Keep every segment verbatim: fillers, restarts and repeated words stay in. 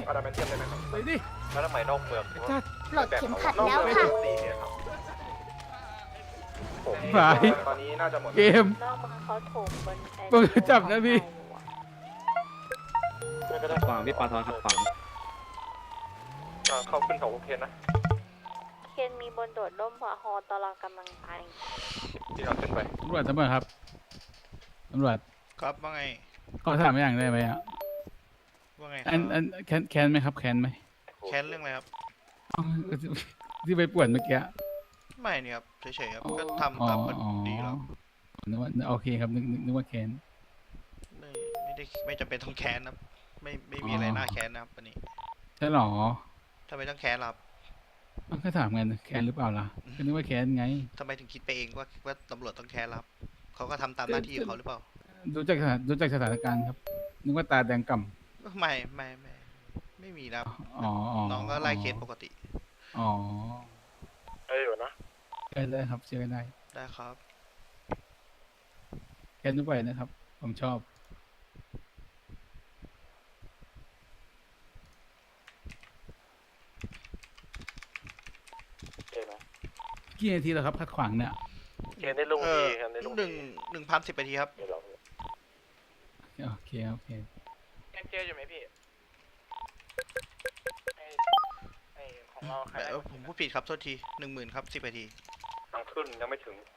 อาดามเทียมได้ไหมครับไปดิแล้วทำไมนอกเมืองจัดปลดเข็มขัดแล้วค่ะสี่เนี่ยครับผมหายตอนนี้น่าจะหมดเกมนอกเมืองเขาโถมบนไอ้มึงจับนะพี่ขวางพี่ปาทอนครับขวางเข้าขึ้นเขาโอเคนะเคนมีบนโดดร่มพอฮอตลอดกำลังไปที่เราขึ้นไปตำรวจตำรวจครับตำรวจครับว่าไงขอถามอย่างได้ไหมอ่ะว่าไงคอัรันอันแคนแคนไหมครับแคนไหมแค้นเรื่องอะไรครับอ๋อที่ไปป่วนเมื่อกี้ไม่นี่ครับเฉยๆครับก็อ๋อทำตามกันดีแล้วนึกว่าโอเคครับนึกนึกนึกว่าแคนไม่ไม่ได้ไม่จำเป็นต้องแค้นนะครับไม่ไม่มีอะไรน่าแค้นนะครับวันนี้ใช่หรอทำไมต้องแค้นล่ะครับอ้าวก็ถามกันแคนหรือเปล่าล่ะก็นึกว่าแคนไงทำไมถึงคิดไปเองว่าว่าตำรวจต้องแค้นล่ะครับเขาก็ทำตามหน้าที่ของเขาหรือเปล่าดูจากสถานดูจากสถานการณ์ครับนึกว่าตาแดงก่ำไม่ไม่ไม่ไม่มีนะครับอ๋ออ๋อน้องก็ไล่เคสปกติอ๋อเอ้ยอยู่นะเชื่อได้ครับเชื่อได้ได้ครับแคนทุกไปนะครับ ผมชอบโอเคไหมกี่นาทีแล้วครับขัดขวางเนี่ยเคนได้ลุงเอดีอเคนได้ลุงหนึ่งหนึ่งพันสิบนาทีครับเดี๋ยวเราโอเคโอเคเคนเจออยู่ไหมพี่ไอไอของเราใครเออผมพูดผิดครับโทษทีหนึ่งหมื่นครับสิบนาทีทางขึ้นยังไม่ถึง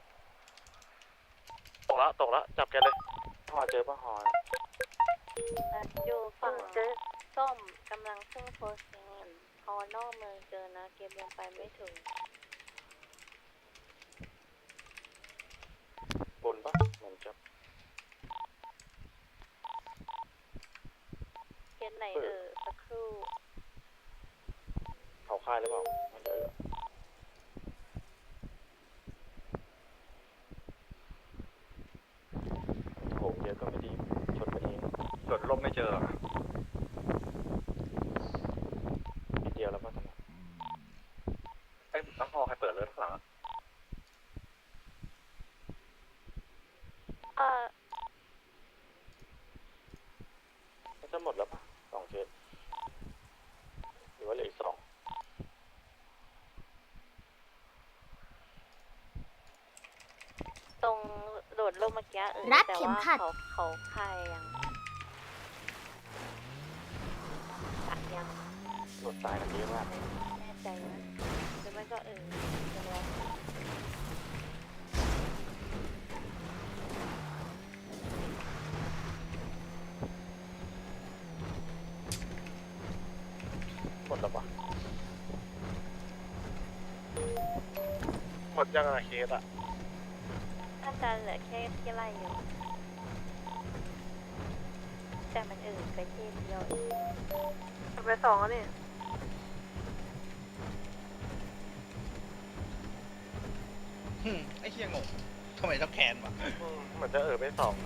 ตกแล้วตกแล้วจับแกเลยพอเจอป้าหอนอยู่ฝั่งส้มกำลังขึ้นโพสต์งานฮอนอกเมืองเจอนะเกมยังไปไม่ถึงบนปะเหมือนจะเคนไหนเออสักครู่เขาค่ายหรือเปล่ามันเจอโหเยอะก็ไม่ดีชนไปเองจดลมไม่เจอนิดเดียวแล้วป่ะตอนนั้นไอ้น้ำพอใครเปิดเลยข้างหลังเออมันจะหมดแล้วป่ะสองเคสหรือว่าเหลืออีกสองตรงโดดร่มเมื่อกี้เออรัดแต่เข็มว่าขัดเขาเขาคายยังตัดยังหลดสายกันเยอะมากแน่ใจนะหรือไม่ก็เออเดี๋ยวรอหมดแล้วป่ะหมดยังอะเคสอะน่าจะเหลือแค่ที่ไล่อยู่แต่มันเออไปเที่เดียวเองไปสองแล้วนี่ไอ้เฮียงงทำไมต้องแค้นวะเหมือนจะเออไปสอง